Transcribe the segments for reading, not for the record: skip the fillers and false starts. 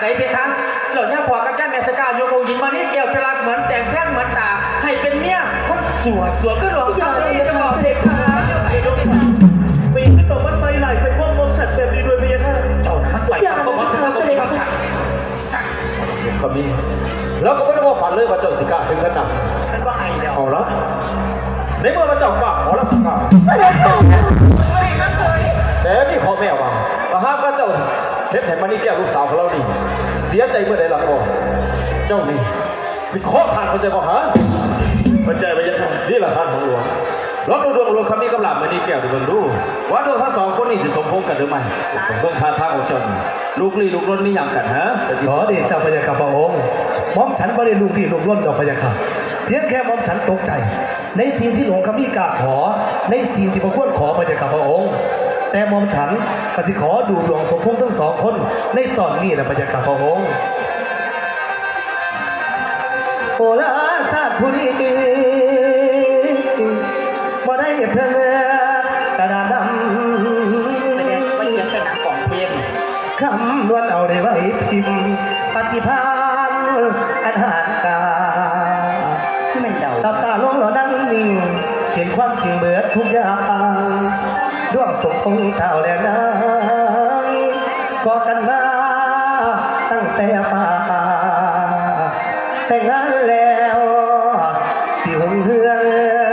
ไหนเพคะเหล่านี้ผัวกับย่าแม่สก้าโยกองหญิงมานี่เกี่ยวจะรักเหมือนแต่งแพร่งเหมือนตาให้เป็นเมียคนสวยก็หลวงเจ้าเลยจะบอกเพคะปีนต่อมาใส่ไหลใส่พวกมอมฉันแบบนี้ด้วยเมียค่ะเจ้ามันไหวก็บอกถึงก็มีความฉันก็มีแล้วก็ไม่ได้ว่าฝันเลยว่าเจ้าสิกาถึงขนาดนั่นว่าไงเดียวเอาละในเมื่อเราเจ้ากล้าขอรักษาแต่นี่ขอแม่ว่าถ้าหากว่าเจ้าเห็นมานี่แก้วลูกสาวของเรานี่เสียใจเมื่อใดล่ะพ่อเจ้านี่สิขอขาดเข้าใจบ่ฮะเข้าใจไหมยังค่ะนี่แหละท่านของหลวงลองดูดวงหลวงคำนี้กำลังมานี่แก้วดูเบิ่งดูว่าดวงทั้งสองคนนี้สิสมพงษ์กันหรือไม่เบิ่งท่าทางของเจ้านี่ลูกลี้ลูกล้นนี่อย่างกันฮะขอเดชะพระยาค่ะพระองค์หม่อมฉันไม่ได้ลูกดีลูกล้นดอกพระยาค่ะเพียงแค่หม่อมฉันตกใจในสิ่งที่หลวงคำมีกาขอในสิ่งที่พระควรขอพระยาค่ะพระองค์แต่หม่อมฉันก็สิขอดูดวงสมพงษ์ทั้งสองคนในตอนนี้นะพระยาค่ะพระองค์โอลาซาผู้นี้บ่ได้เพิ่งกระดาษดำแสดงว่าเขียนสนามกล่องเพลงคำนวลเอาได้ไว้พิมพ์ปฏิภาณอันหารกาที่มันเดาตาตาลงหล่อนั่งนิ่งเห็นความจริงเบิดทุกอย่างดวงสมพงษ์เท่าแล้วนางก่อกันมาตั้งแต่ป่าแต่งงานแล้วสิหงเฮือง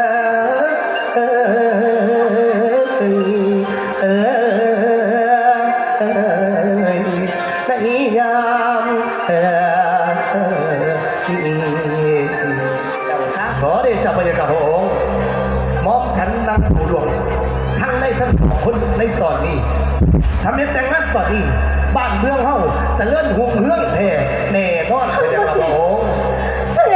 ในยามขอเดชะพระยาค่ะพระองค์มอมฉันนั่งดูดวงทั้งในทั้งสองคนในตอนนี้ทำเนียแต่งงานตอนนี้บ้านเมืองเฮาจะเลื่อนหุ่งเฮืองแท้แน่นอนพระยา